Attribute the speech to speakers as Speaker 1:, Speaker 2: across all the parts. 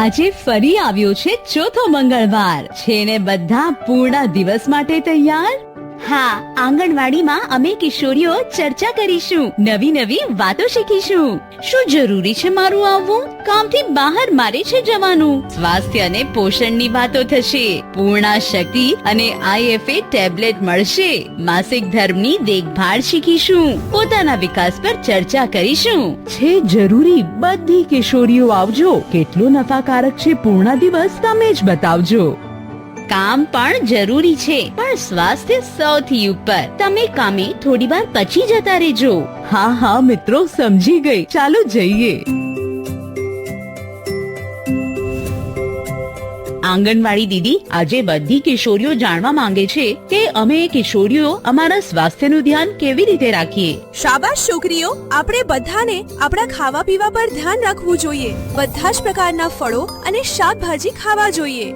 Speaker 1: આજે ફરી આવ્યો છે ચોથો મંગળવાર. છે ને બધા પૂર્ણ દિવસ માટે તૈયાર? હા, આંગણવાડીમાં અમે કિશોરીઓ ચર્ચા કરીશું, નવી નવી વાતો શીખીશું. શું જરૂરી છે મારું આવવું? કામથી બહાર મારે છે જવાનું. સ્વાસ્થ્ય અને પોષણની વાતો થશે. પૂર્ણા શક્તિ અને IFA ટેબ્લેટ મળશે. માસિક ધર્મની દેખભાળ શીખીશું. પોતાના વિકાસ પર ચર્ચા કરીશું. છે જરૂરી, બધી કિશોરીઓ આવજો. કેટલો નફાકારક છે પૂર્ણા દિવસ, તમે જ બતાવજો. કામ પણ જરૂરી છે, પણ સ્વાસ્થ્ય સૌથી ઉપર. તમે કામે થોડી વાર પછી જતા રહેજો. હા હા મિત્રો, સમજી ગઈ. ચાલો જઈએ. આંગણવાડી દીદી, આજે બધી કિશોરીઓ જાણવા માંગે છે કે અમે કિશોરીઓ અમારા સ્વાસ્થ્યનું ધ્યાન કેવી રીતે રાખીએ.
Speaker 2: શાબાશ છોકરીઓ, આપણે બધાને આપણા ખાવા પીવા પર ધ્યાન રાખવું જોઈએ. બધા જ પ્રકારના ફળો અને શાકભાજી ખાવા જોઈએ.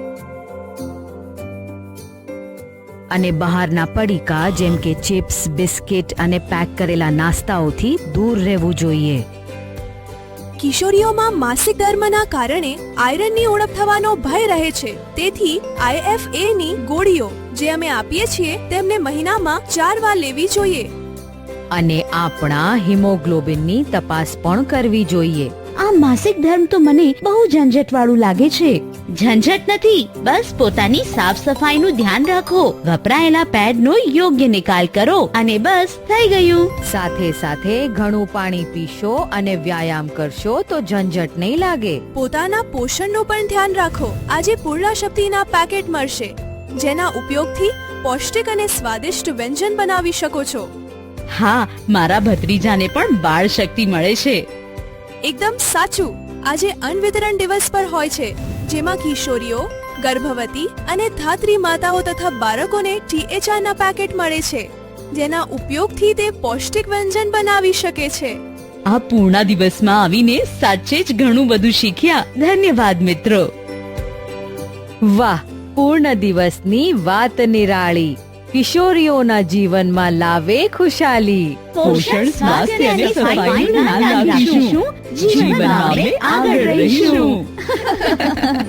Speaker 3: અને બહારના પડીકા જેમ કે ચિપ્સ, બિસ્કિટ અને પેક કરેલા નાસ્તાઓથી દૂર રહેવું જોઈએ.
Speaker 2: કિશોરીઓમાં માસિક ધર્મના કારણે આયરનની ઉણપ થવાનો ભય રહે છે. તેથી IFA ની ગોળીઓ જે અમે આપીએ છીએ તેમને મહિનામાં 4 વાર લેવી જોઈએ.
Speaker 3: અને આપણા હિમોગ્લોબિનની તપાસ પણ કરવી જોઈએ.
Speaker 1: આ માસિક ધર્મ તો મને બહુ ઝંઝટ વાળું લાગે છે. ઝંઝટ નથી, બસ પોતાની સાફ સફાઈનું ધ્યાન રાખો. વપરાયેલા પેડનો યોગ્ય નિકાલ કરો અને બસ થઈ ગયું.
Speaker 3: સાથે સાથે ઘણું પાણી પીશો અને વ્યાયામ કરશો તો ઝંઝટ નહીં લાગે.
Speaker 2: પોતાના પોષણનું પણ ધ્યાન રાખો. આજે પૂર્ણા શક્તિના પેકેટ મળશે, જેના ઉપયોગથી પૌષ્ટિક અને સ્વાદિષ્ટ વ્યંજન બનાવી શકો છો.
Speaker 1: હા, મારા ભત્રીજાને પણ બાળ શક્તિ મળે છે.
Speaker 2: એકદમ સાચું. આજે અન્ન વિતરણ દિવસ પર હોય છે, જેમાં કિશોરીઓ, ગર્ભવતી અને ધાત્રી માતાઓ તથા બાળકોને THR ના પેકેટ મળે છે, જેના ઉપયોગથી તે પૌષ્ટિક વ્યંજન બનાવી શકે છે.
Speaker 1: આ પૂર્ણા દિવસમાં આવીને સાચે જ ઘણું બધું શીખ્યા. ધન્યવાદ મિત્રો.
Speaker 3: વાહ, પૂર્ણ દિવસની વાત નિરાળી. કિશોરીઓના જીવનમાં લાવે ખુશાલી.
Speaker 1: પોષણ, સ્વાસ્થ્ય અને સફાઈનું ધ્યાન રાખીશું. જીવનમાં આપણે આગળ રહીશું.